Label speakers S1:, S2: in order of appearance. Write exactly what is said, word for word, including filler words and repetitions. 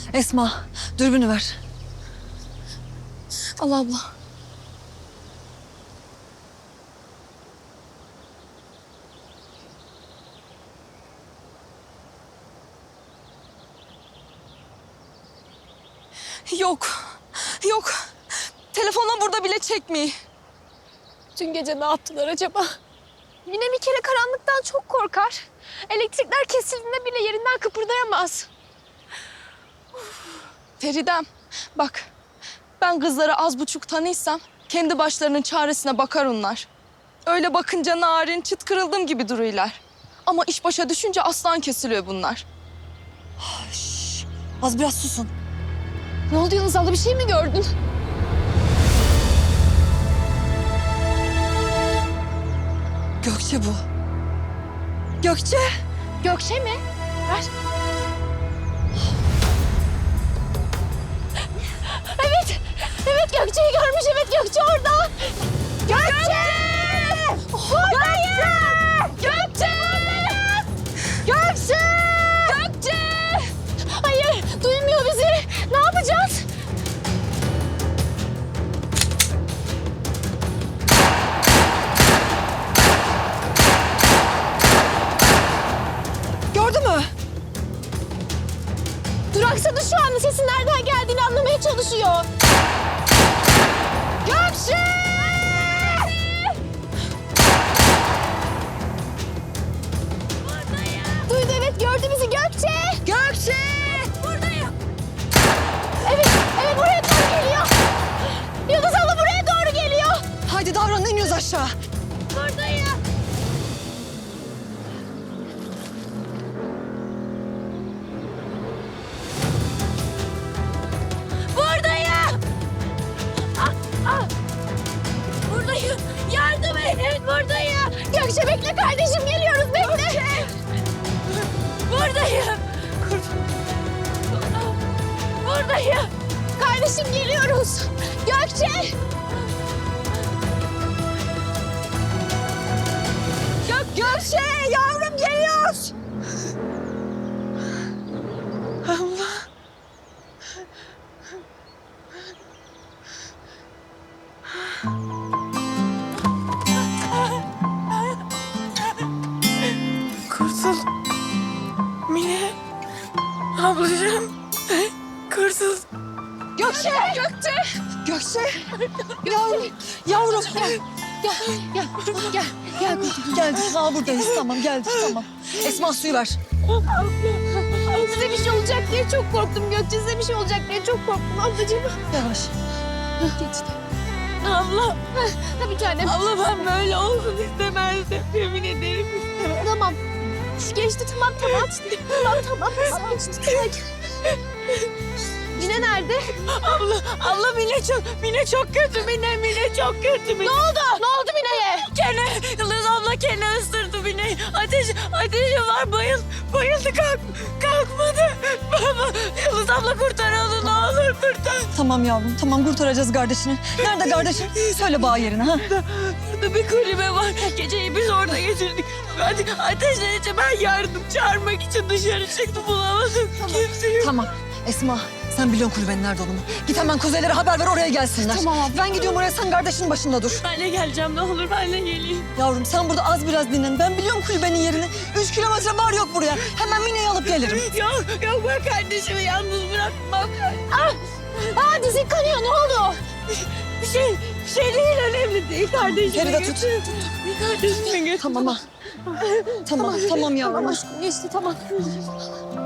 S1: Esma, dürbünü ver.
S2: Al abla. Yok. Yok. Telefonla burada bile çekmiyor.
S3: Dün gece ne yaptılar acaba? Mine bir kere karanlıktan çok korkar. Elektrikler kesildiğinde bile yerinden kıpırdayamaz.
S2: Feridem, bak. Ben kızları az buçuk tanıysam kendi başlarının çaresine bakar onlar. Öyle bakınca narin, çıt kırıldım gibi duruyorlar. Ama iş başa düşünce aslan kesiliyor bunlar.
S1: Şş, az biraz susun.
S3: Ne oldu Yıldız abla, bir şey mi gördün?
S1: Gökçe bu. Gökçe.
S3: Gökçe mi? Ver. Evet. Evet Gökçe'yi görmüş. Evet Gökçe orada. Gökçe! Buradayım! Gökçe! Gökçe! Gökçe! Hayır, duymuyor bizi. Ne yapacağız?
S1: Gördü mü?
S3: Duraksadı şu anda. Sesin nereden geldiğini anlamaya çalışıyor. Gökçe! Duydu, evet gördü bizi. Gökçe! Gökçe! Buradayım. Evet, evet buraya doğru geliyor. Yıldız abla buraya doğru geliyor.
S1: Haydi davranın, iniyoruz aşağı.
S3: Buradayım. Buradayım. Ah, ah. Buradayım. Yardım edin. Buradayım. Gökçe bekle kardeşim. Geliyoruz. Bekle. Buradayım. Buradayım. Kardeşim geliyoruz. Gökçe. Gök Gökçe yavrum geliyoruz.
S4: Kurtul. Mine. Ablacığım. Kurtul.
S3: Gökçe. Gökçe.
S1: Gökçe. Yavrum, yavrum.
S3: Gel. Gel. Gel. Gel. Gel.
S1: Geldik, ha buradayız. Tamam, geldik, tamam. Esma, suyu ver.
S3: Size bir şey olacak diye çok korktum Gökçe. Size bir şey olacak diye çok korktum ablacığım.
S1: Yavaş.
S3: Geçti. Abla. Ha bir tanem.
S4: Abla ben böyle olsun istemezdim. Yemin ederim istemem.
S3: Tamam. Geçti tamam tamam. Tamam tamam. Tamam geçti. Hadi. Yine nerede?
S4: Abla, abla Mine çok, Mine çok kötü Mine, Mine çok kötü Mine.
S3: Ne oldu? Ne oldu Mine'ye?
S4: Kene, Yıldız abla kene ısırdı Mine'yi. Ateş, ateşi var bayıl, bayıldı kalk, kalkmadı. Baba, Yıldız abla kurtar onu ne olur kurtar.
S1: Tamam yavrum, tamam kurtaracağız kardeşini. Nerede kardeşin? Söyle bağ yerine ha.
S4: Burada bir kulübe var. Geceyi biz orada geçirdik. Hadi ateşlenince ben yardım çağırmak için dışarı çıktım bulamadım. Kimseyi.
S1: Tamam. Esma, sen biliyorsun kulübenin nerede olduğunu. Git hemen kuzeylere haber ver, oraya gelsinler.
S3: Tamam abla.
S1: Ben gidiyorum oraya, sen kardeşinin başında dur.
S4: Ben de geleceğim ne olur ben de geleyim.
S1: Yavrum sen burada az biraz dinlen. Ben biliyorum kulübenin yerini. Üç kilometre var yok buraya. Hemen Mine'yi alıp gelirim.
S4: Yok yok ben kardeşimi yalnız bırakmam.
S3: Ah! Aa dizin kanıyor. Ne oldu?
S4: Bir şey, bir şey değil önemli değil kardeşimi.
S1: Feride tut.
S4: götür. Kardeşimi götür.
S1: Tamam ha. Tamam, tamam yavrum.
S3: Tamam aşkım geçti tamam.